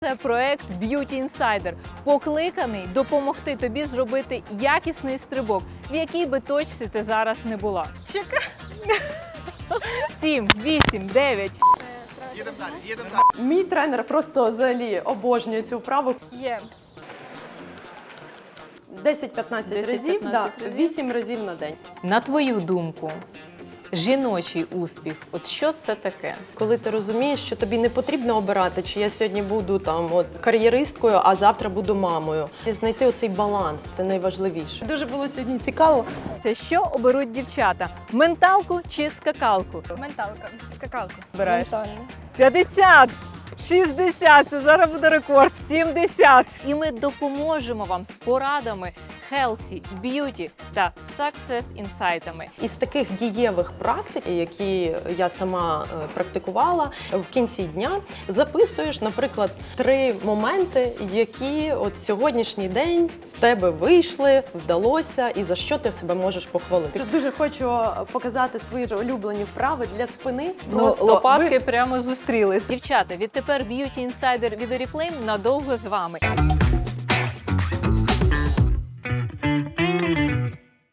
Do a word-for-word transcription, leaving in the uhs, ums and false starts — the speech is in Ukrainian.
Це проект Beauty Insider, покликаний допомогти тобі зробити якісний стрибок, в якій би точці ти зараз не була. Чекай. Сім, вісім, дев'ять. Їдемо далі, їдемо далі. Мій тренер просто взагалі обожнює цю вправу. Є. десять-п'ятнадцять разів, да, десять-п'ятнадцять разів. вісім разів на день. На твою думку, жіночий успіх, от що це таке? Коли ти розумієш, що тобі не потрібно обирати, чи я сьогодні буду там от кар'єристкою, а завтра буду мамою. І знайти оцей баланс – це найважливіше. Дуже було сьогодні цікаво. Це що оберуть дівчата? Менталку чи скакалку? Менталка. Скакалку. Обираєш? Ментально. п'ятдесят, шістдесят, це зараз буде рекорд, сімдесят. І ми допоможемо вам з порадами healthy, beauty та success інсайтами. Із таких дієвих практик, які я сама е, практикувала, в кінці дня записуєш, наприклад, три моменти, які от сьогоднішній день в тебе вийшли, вдалося, і за що ти себе можеш похвалити. Дуже хочу показати свої улюблені вправи для спини. Ну, лопатки прямо зустрілись. Дівчата, відтепер Beauty Insider від Oriflame надовго з вами.